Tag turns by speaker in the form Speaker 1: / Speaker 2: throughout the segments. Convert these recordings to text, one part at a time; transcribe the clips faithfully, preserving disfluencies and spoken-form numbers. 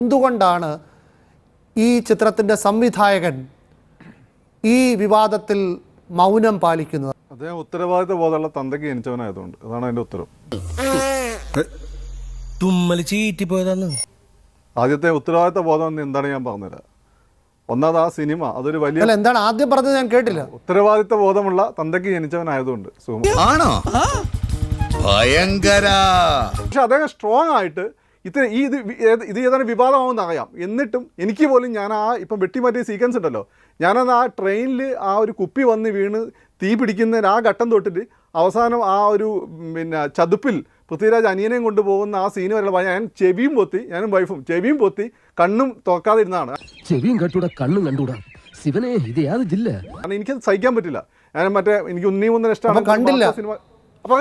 Speaker 1: എന്തുകൊണ്ടാണ് ഈ ചിത്രത്തിൻ്റെ സംവിധായകൻ ഈ വിവാദത്തിൽ മൗനം പാലിക്കുന്നത്?
Speaker 2: അദ്ദേഹം ഉത്തരവാദിത്ത ബോധമുള്ള തന്തയ്ക്ക് ജനിച്ചവനായതുകൊണ്ട്. അതാണ് അതിന്റെ ഉത്തരം. ആദ്യത്തെ ഉത്തരവാദിത്ത ബോധം എന്താണ് ഞാൻ പറഞ്ഞുതരാം. ഒന്നാമത് ആ സിനിമ അതൊരു വലിയ
Speaker 1: എന്താണ് ആദ്യം പറഞ്ഞത് ഞാൻ കേട്ടില്ല.
Speaker 2: ഉത്തരവാദിത്ത ബോധമുള്ള തന്തയ്ക്ക് ജനിച്ചവനായതുകൊണ്ട്. പക്ഷെ അദ്ദേഹം സ്ട്രോങ് ആയിട്ട് ഇത്ര ഈ ഇത് ഇത് ഏതാണ് വിവാദമാവുമെന്ന് അറിയാം. എന്നിട്ടും എനിക്ക് പോലും ഞാൻ ആ ഇപ്പം വെട്ടിമാറ്റിയ സീക്വൻസ് ഉണ്ടല്ലോ, ഞാനത് ആ ട്രെയിനിൽ ആ ഒരു കുപ്പി വന്ന് വീണ് തീ പിടിക്കുന്ന ആ ഘട്ടം തൊട്ടിട്ട് അവസാനം ആ ഒരു പിന്നെ ചതുപ്പിൽ പൃഥ്വിരാജ് അനിയനെയും കൊണ്ടുപോകുന്ന ആ സീന് വരെ ഞാൻ ചെവിയും പൊത്തി, ഞാനും വൈഫും ചെവിയും പൊത്തി കണ്ണും തുറക്കാതിരുന്നതാണ്.
Speaker 3: ചെവിയും കണ്ടൂടാ കണ്ണും കണ്ടൂടാ ശിവനെ ഇത് യാതൊരു ജില്ല.
Speaker 2: കാരണം എനിക്കത് സഹിക്കാൻ പറ്റില്ല. ഞാൻ മറ്റേ എനിക്ക് ഉണ്ണി മുന്നേ ഇഷ്ടമാണ്
Speaker 1: കണ്ടില്ല
Speaker 2: സിനിമ. അപ്പൊ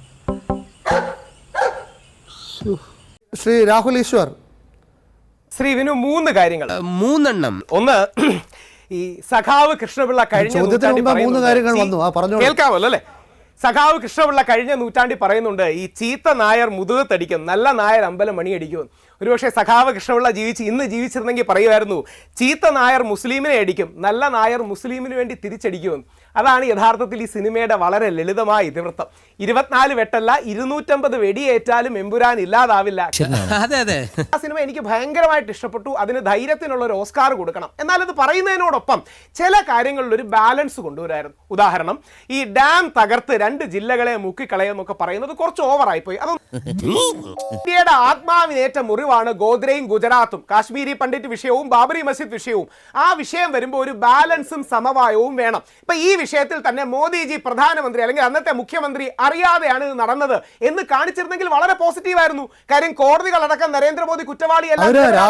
Speaker 1: ശ്രീ രാഹുൽ ഈശ്വർ,
Speaker 4: ശ്രീ വിനു, മൂന്ന് കാര്യങ്ങൾ,
Speaker 3: മൂന്നെണ്ണം.
Speaker 4: ഒന്ന്, ഈ സഖാവ് കൃഷ്ണപിള്ള കഴിഞ്ഞ കേൾക്കാമല്ലോ അല്ലെ? സഖാവ് കൃഷ്ണപിള്ള കഴിഞ്ഞ നൂറ്റാണ്ടിൽ പറയുന്നുണ്ട് ഈ ചീത്ത നായർ മുതുകത്തടിക്കും, നല്ല നായർ അമ്പലം മണിയടിക്കും. ഒരുപക്ഷെ സഖാവ് കൃഷ്ണപിള്ള ജീവിച്ച് ഇന്ന് ജീവിച്ചിരുന്നെങ്കിൽ പറയുമായിരുന്നു ചീത്ത നായർ മുസ്ലിമിനെ അടിക്കും, നല്ല നായർ മുസ്ലിമിന് വേണ്ടി തിരിച്ചടിക്കുമെന്ന്. അതാണ് യഥാർത്ഥത്തിൽ ഈ സിനിമയുടെ വളരെ ലളിതമായ ഇതിവൃത്തം. ഇരുപത്തിനാല് വെട്ടല്ല, ഇരുന്നൂറ്റമ്പത് വെടിയേറ്റാലും എമ്പുരാൻ ഇല്ലാതാവില്ല. ആ സിനിമ എനിക്ക് ഭയങ്കരമായിട്ട് ഇഷ്ടപ്പെട്ടു. അതിന് ധൈര്യത്തിനുള്ള ഒരു ഓസ്കാർ കൊടുക്കണം. എന്നാൽ ഇത് പറയുന്നതിനോടൊപ്പം ചില കാര്യങ്ങളിൽ ഒരു ബാലൻസ് കൊണ്ടുവരായിരുന്നു. ഉദാഹരണം, ഈ ഡാം തകർത്ത് രണ്ട് ജില്ലകളെ മുക്കിക്കളയെന്നൊക്കെ പറയുന്നത് കുറച്ച് ഓവറായിപ്പോയി. അത് ഇന്ത്യയുടെ ആത്മാവിനേറ്റ മുറിവാണ് ഗോദ്രയും ഗുജറാത്തും, കാശ്മീരി പണ്ഡിറ്റ് വിഷയവും ബാബറി മസ്ജിദ് വിഷയവും. ആ വിഷയം വരുമ്പോൾ ഒരു ബാലൻസും സമവായവും വേണം. ഇപ്പൊ ഈ വിഷയത്തിൽ തന്നെ മോദിജി പ്രധാനമന്ത്രി അല്ലെങ്കിൽ അന്നത്തെ മുഖ്യമന്ത്രി അറിയാതെയാണ് ഇത് നടന്നത് എന്ന് കാണിച്ചിരുന്നെങ്കിൽ വളരെ പോസിറ്റീവ് ആയിരുന്നു. കാര്യം കോടതികളടക്കം നരേന്ദ്രമോദി കുറ്റവാളിയല്ല.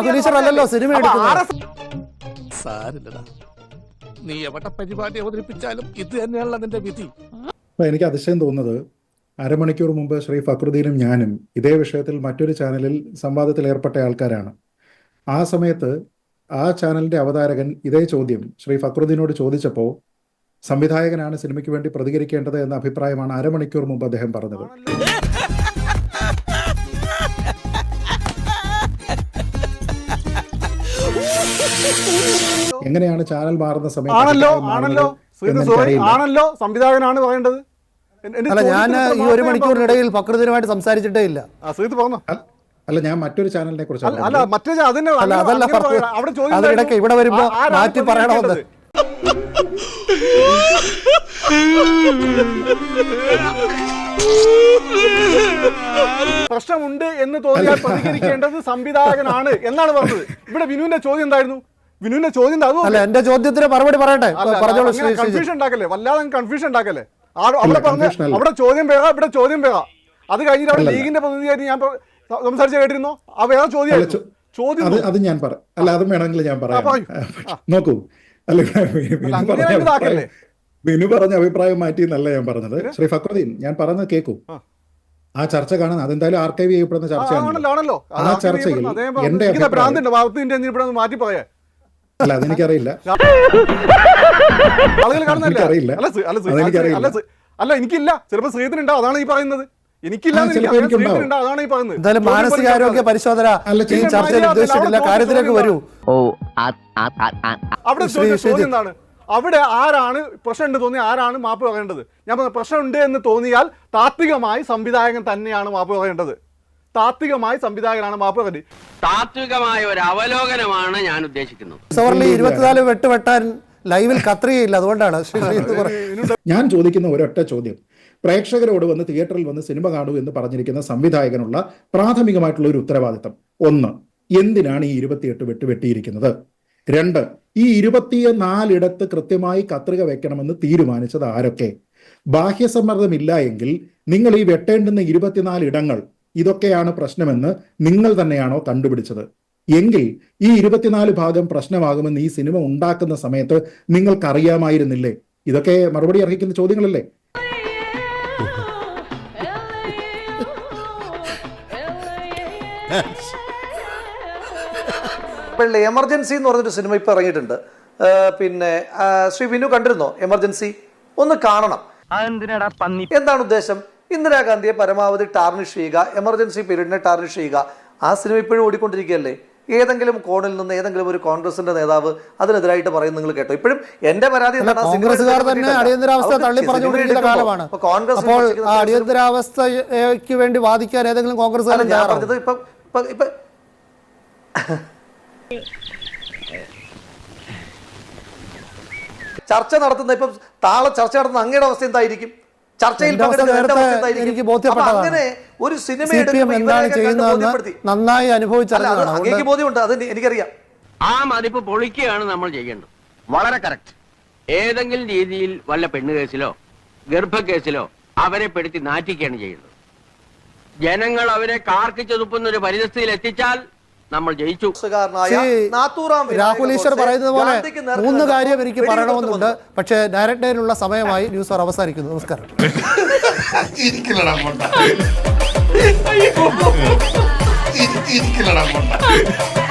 Speaker 3: നീ എവിടെ പരിപാടി അവതരിപ്പിച്ചാലും ഇത് തന്നെയാണല്ലോ നിന്റെ വിധി.
Speaker 5: എനിക്ക് അതിശയം തോന്നുന്നത്, അരമണിക്കൂർ മുമ്പ് ശ്രീ ഫക്രുദ്ദീനും ഞാനും ഇതേ വിഷയത്തിൽ മറ്റൊരു ചാനലിൽ സംവാദത്തിൽ ഏർപ്പെട്ട ആൾക്കാരാണ്. ആ സമയത്ത് ആ ചാനലിന്റെ അവതാരകൻ ഇതേ ചോദ്യം ശ്രീ ഫക്രുദ്ദീനോട് ചോദിച്ചപ്പോൾ സംവിധായകനാണ് സിനിമയ്ക്ക് വേണ്ടി പ്രതികരിക്കേണ്ടത് എന്ന അഭിപ്രായമാണ് അരമണിക്കൂർ മുമ്പ് അദ്ദേഹം പറഞ്ഞത്. എങ്ങനെയാണ് ചാനൽ മാറുന്ന സമയത്ത്
Speaker 2: ആണല്ലോ സംവിധായകനാണ് പറയേണ്ടത്.
Speaker 1: അല്ല, ഞാൻ ഈ ഒരു മണിക്കൂറിനിടയിൽ ഫക്രുദ്ദീനുമായിട്ട് സംസാരിച്ചിട്ടേ ഇല്ല.
Speaker 5: അല്ല, ഞാൻ മറ്റൊരു ചാനലിനെ കുറിച്ച്
Speaker 1: അതിനിടയ്ക്ക് ഇവിടെ വരുമ്പോ മാറ്റി പറയണമെന്ന്.
Speaker 2: പ്രശ്നമുണ്ട് എന്ന് തോന്നിയാൽ പ്രതികരിക്കേണ്ടത് സംവിധായകനാണ് എന്നാണ് പറഞ്ഞത്. ഇവിടെ വിനുവിന്റെ ചോദ്യം എന്തായിരുന്നു? വിനുവിന്റെ ചോദ്യം
Speaker 1: അല്ല, എന്റെ ചോദ്യത്തിന് മറുപടി പറയട്ടെ.
Speaker 2: കൺഫ്യൂഷൻ ഉണ്ടാക്കല്ലേ, വല്ലാതെ കൺഫ്യൂഷൻ ഉണ്ടാക്കല്ലേ. അവിടെ പറഞ്ഞ അവിടെ ചോദ്യം വേഗം, ഇവിടെ ചോദ്യം വേഗം. അത് കഴിഞ്ഞിട്ട് അവിടെ ലീഗിന്റെ പ്രതിനിധിയായിട്ട് ഞാൻ സംസാരിച്ച കേട്ടിരുന്നോ? ആ വേഗം ചോദ്യം ചോദ്യം
Speaker 5: അത് ഞാൻ പറയാം. അല്ല, അതും വേണമെങ്കിൽ ഞാൻ പറയാം. നോക്കൂ, അല്ല, വിനു പറഞ്ഞ അഭിപ്രായം മാറ്റി എന്നല്ല ഞാൻ പറഞ്ഞത്. ശ്രീ ഫക്രുദ്ദീൻ, ഞാൻ പറഞ്ഞത് കേൾക്കൂ. ആ ചർച്ച കാണാൻ അതെന്തായാലും ആർക്കൈവ് ചെയ്യപ്പെടുന്ന ചർച്ചയാണല്ലോ. ആ ചർച്ചയിൽ എന്റെ
Speaker 2: മാറ്റി പറയാ.
Speaker 5: അല്ല, അതെനിക്കറിയില്ല.
Speaker 2: അല്ല, എനിക്കില്ല. ചിലപ്പോ ശ്രീധനുണ്ടാവും, അതാണ് ഈ പറയുന്നത്. എനിക്കില്ല, അതാണ് ഈ പറയുന്നത്.
Speaker 1: മാനസികാരോഗ്യ പരിശോധന ചർച്ചയിൽ ഉദ്ദേശിച്ചിട്ടില്ല. കാര്യത്തിലേക്ക് വരൂ.
Speaker 2: അവിടെ ചോദ്യം എന്താണ്? അവിടെ ആരാണ് പ്രശ്നമുണ്ട് തോന്നി ആരാണ് മാപ്പ് പറയേണ്ടത്? ഞാൻ പറഞ്ഞ പ്രശ്നമുണ്ട് എന്ന് തോന്നിയാൽ താത്വികമായി സംവിധായകൻ തന്നെയാണ് മാപ്പ് പറയേണ്ടത്. താത്വികമായി സംവിധായകനാണ് മാപ്പ് പറയേണ്ടത്.
Speaker 6: താത്വികമായ ഒരു അവലോകനമാണ് ഞാൻ ഉദ്ദേശിക്കുന്നത്.
Speaker 1: ഇരുപത്തിനാല് വെട്ട് വെട്ടാൻ ലൈവിൽ കത്രികയില്ല, അതുകൊണ്ടാണ്.
Speaker 5: ഞാൻ ചോദിക്കുന്ന ഒരൊറ്റ ചോദ്യം, പ്രേക്ഷകരോട് വന്ന് തിയേറ്ററിൽ വന്ന് സിനിമ കാണൂ എന്ന് പറഞ്ഞിരിക്കുന്ന സംവിധായകനുള്ള പ്രാഥമികമായിട്ടുള്ള ഒരു ഉത്തരവാദിത്തം. ഒന്ന്, എന്തിനാണ് ഈ ഇരുപത്തിയെട്ട് വെട്ട് വെട്ടിയിരിക്കുന്നത്? രണ്ട്, ഈ ഇരുപത്തിനാലിടത്ത് കൃത്യമായി കത്രിക വെക്കണമെന്ന് തീരുമാനിച്ചത് ആരൊക്കെ? ബാഹ്യസമ്മർദ്ദമില്ല എങ്കിൽ നിങ്ങൾ ഈ വെട്ടേണ്ടുന്ന ഇരുപത്തിനാല് ഇടങ്ങൾ ഇതൊക്കെയാണ് പ്രശ്നമെന്ന് നിങ്ങൾ തന്നെയാണോ കണ്ടുപിടിച്ചത്? എങ്കിൽ ഈ ഇരുപത്തിനാല് ഭാഗം പ്രശ്നമാകുമെന്ന് ഈ സിനിമ ഉണ്ടാക്കുന്ന സമയത്ത് നിങ്ങൾക്കറിയാമായിരുന്നില്ലേ? ഇതൊക്കെ മറുപടി അർഹിക്കുന്ന ചോദ്യങ്ങളല്ലേ?
Speaker 7: എമർജൻസി എന്ന് പറഞ്ഞൊരു സിനിമ ഇപ്പൊ ഇറങ്ങിയിട്ടുണ്ട്. പിന്നെ ശ്രീ വിനു കണ്ടിരുന്നോ എമർജൻസി? ഒന്ന് കാണണം. എന്താണ് ഉദ്ദേശം? ഇന്ദിരാഗാന്ധിയെ പരമാവധി ടാർണിഷ് ചെയ്യുക, എമർജൻസി പീരീഡിനെ ടാർണിഷ് ചെയ്യുക. ആ സിനിമ ഇപ്പോഴും ഓടിക്കൊണ്ടിരിക്കുകയല്ലേ? ഏതെങ്കിലും കോണിൽ നിന്ന് ഏതെങ്കിലും ഒരു കോൺഗ്രസിന്റെ നേതാവ് അതിനെതിരായിട്ട് പറയും നിങ്ങൾ കേട്ടോ? ഇപ്പോഴും എന്റെ പരാതി
Speaker 1: അല്ല,
Speaker 7: എന്താണ്?
Speaker 1: കോൺഗ്രസ്സുകാർ തന്നെ അടിയന്തരാവസ്ഥ തള്ളി പറഞ്ഞുകൊണ്ടിരിക്കുന്ന കാലമാണ്. അപ്പോൾ ആ അടിയന്തരാവസ്ഥയ്ക്ക് വേണ്ടി വാദിക്കാൻ ഏതെങ്കിലും കോൺഗ്രസ്സുകാരൻ
Speaker 7: ഞാൻ പറഞ്ഞത് ഇപ്പൊ ഇപ്പൊ ഇപ്പൊ ചർച്ച നടത്തുന്ന ഇപ്പം താളെ ചർച്ച നടത്തുന്ന അങ്ങയുടെ അവസ്ഥ എന്തായിരിക്കും? ചർച്ചയിൽ
Speaker 1: എന്റെ അവസ്ഥ
Speaker 7: പങ്കെടുക്കുന്ന എന്റെ
Speaker 1: നേരത്തെ
Speaker 7: അവസ്ഥ എന്തായിരിക്കും?
Speaker 1: എനിക്ക്
Speaker 7: അപ്പൊ
Speaker 1: ബോധ്യപ്പെട്ടതാണ്.
Speaker 7: അങ്ങനെ ഒരു സിനിമ
Speaker 1: സി പി എം
Speaker 7: എടുക്കുമ്പോൾ
Speaker 1: എന്താണ്
Speaker 7: ഇവരെയൊക്കെ കണ്ട്
Speaker 1: ചെയ്യുന്നതെന്ന്
Speaker 7: ബോധ്യപ്പെടുത്തി.
Speaker 1: നന്നായി
Speaker 7: അല്ല, അത്
Speaker 1: അനുഭവിച്ചറിഞ്ഞതാണ്.
Speaker 7: അങ്ങേക്ക്
Speaker 1: അതുകൊണ്ട്
Speaker 7: ബോധ്യമുണ്ട്, അത് എനിക്കറിയാം.
Speaker 6: ആ മതിപ്പ് പൊളിക്കുകയാണ് നമ്മൾ ചെയ്യേണ്ടത്. വളരെ കറക്റ്റ്. ഏതെങ്കിലും രീതിയിൽ വല്ല പെണ്ണ് കേസിലോ ഗർഭക്കേസിലോ അവരെ പെടുത്തി നാറ്റിക്കുകയാണ് ചെയ്യുന്നത്. ജനങ്ങൾ അവരെ കാർക്കിച്ചൊതുപ്പുന്ന ഒരു പരിസ്ഥിതിയിൽ എത്തിച്ചാൽ നമ്മൾ ജയിച്ചു.
Speaker 1: രാഹുൽ ഈശ്വർ പറയുന്നത് പോലെ മൂന്ന് കാര്യം എനിക്ക് പറയണമെന്നുണ്ട്. പക്ഷേ ഡയറക്റ്റ് ലൈനിലുള്ള സമയമായി. ന്യൂസ് അവർ അവസാനിക്കുന്നു. നമസ്കാരം.
Speaker 3: ഇരിക്കില്ലടാ